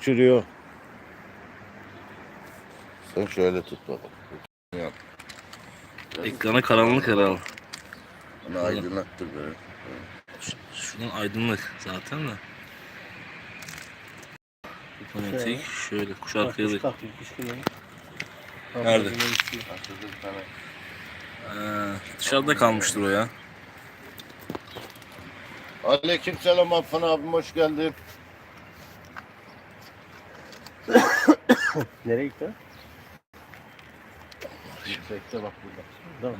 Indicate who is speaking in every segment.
Speaker 1: uçuruyor. Sen şöyle tut bakalım.
Speaker 2: Ekranı karanlık herhalde.
Speaker 1: Onu aydınlattır böyle.
Speaker 2: Şunun aydınlık zaten de. Otomatik şöyle kuş arkaya da. Nerede? Dışarıda kalmıştır o ya.
Speaker 1: Aleykümselam Affan abim, hoş geldin.
Speaker 3: Nereye gitti? Yüksekte bak burada.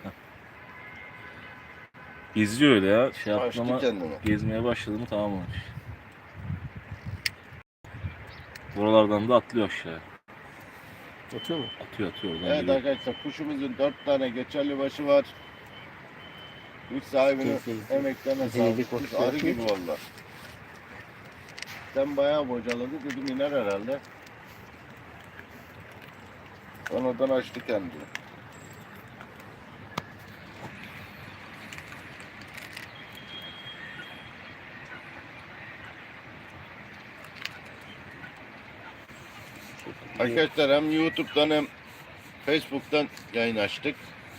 Speaker 2: Geziyor öyle ya. Şey
Speaker 1: Açtı
Speaker 2: yaptı ama
Speaker 1: kendini.
Speaker 2: gezmeye başladı mı tamam olmuş. Buralardan da atlıyor aşağıya.
Speaker 3: Atıyor mu?
Speaker 2: Atıyor oradan
Speaker 1: Evet
Speaker 2: geliyor.
Speaker 1: arkadaşlar, kuşumuzun 4 tane geçerli başı var. Kuş sahibinin emeklerine sağlık. Kuş arı gibi valla. Sen bayağı bocaladı, dedim iner herhalde. Sonradan açtı kendini. Arkadaşlar hem YouTube'dan hem Facebook'tan yayın açtık.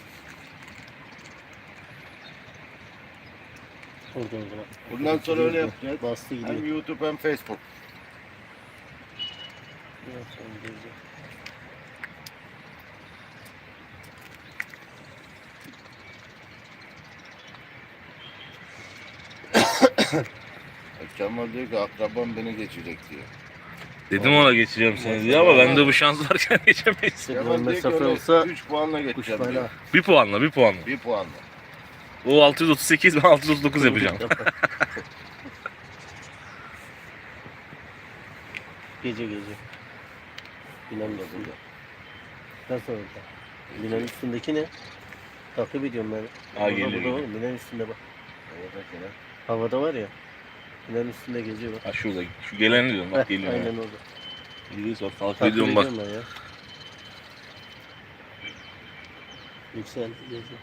Speaker 3: Orada o zaman.
Speaker 1: Bundan sonra öyle yapacağız.
Speaker 3: Bastı gidiyor.
Speaker 1: Hem YouTube hem Facebook.
Speaker 3: Evet, onu göreceğim.
Speaker 1: Kemal diyor ki akrabam beni geçecek diyor.
Speaker 2: Dedim ona geçeceğim seni diye ama bende bu şans varken geçemeyiz.
Speaker 1: Kemal
Speaker 3: Kemal
Speaker 1: diyor ki
Speaker 3: mesafe
Speaker 1: öyle
Speaker 3: olsa
Speaker 1: 3 puanla
Speaker 3: kuş
Speaker 1: geçeceğim
Speaker 3: bayrağı.
Speaker 1: diyor.
Speaker 2: Bir puanla.
Speaker 1: 1 puanla.
Speaker 2: O 638 ben 639 yapacağım.
Speaker 3: Gece. Binanın üstünde. Nasıl olacak? Binanın üstündeki ne? Takip ediyorum ben.
Speaker 2: Ha, geliyor.
Speaker 3: Burada var. Binanın üstünde bak.
Speaker 1: Oradaki ne?
Speaker 3: Havada var ya. Binanın üstünde geziyor bak.
Speaker 2: Ha şurada. Şu geleni diyorum bak geliyor.
Speaker 3: Aynen orada.
Speaker 2: Geliyor sonra takip
Speaker 3: Takip
Speaker 2: ediyorum bak.
Speaker 3: ediyorum ben ya. Yüksel geziyor.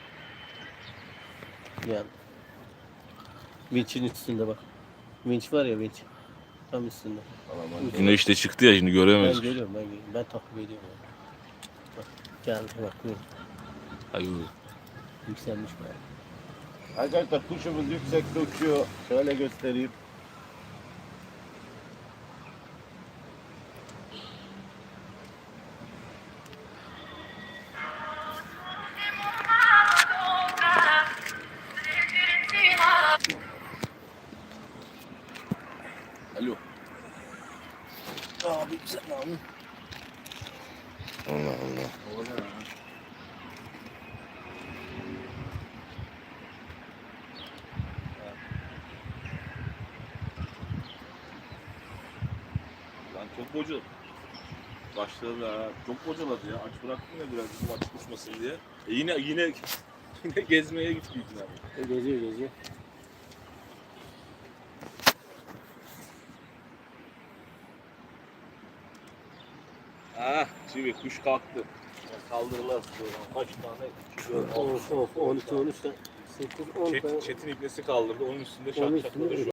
Speaker 3: Yani. Vinç'in üstünde bak. Vinç var ya vinç. Tam üstünde.
Speaker 1: Alaman.
Speaker 2: Yine işte çıktı ya şimdi
Speaker 3: Ben
Speaker 2: göremiyoruz.
Speaker 3: görüyorum ben görüyorum. Ben takip ediyorum. Yani. Bak geldi bak buyur.
Speaker 2: Hayır.
Speaker 3: Yükselmiş bayağı.
Speaker 1: Arkadaşlar kuşumuz yüksekte uçuyor. Şöyle göstereyim.
Speaker 2: Alo.
Speaker 3: Abi sen abi.
Speaker 1: Allah Allah.
Speaker 2: Lan çok bocaladı. Başladı ha. Çok bocaladı ya. Aç bıraktım ya biraz bizim aç uçmasın diye. Yine gezmeye gitti abi.
Speaker 3: Geziyor.
Speaker 2: Ah, şimdi kuş kalktı. Kaldırırlar. Kaç tane? 2, 4, 6.
Speaker 3: Of 12 13 8 10 tane.
Speaker 2: Çetin iplesi kaldırdı. Onun üstünde
Speaker 3: Onun
Speaker 2: şak
Speaker 3: üstünde
Speaker 2: şakladı şu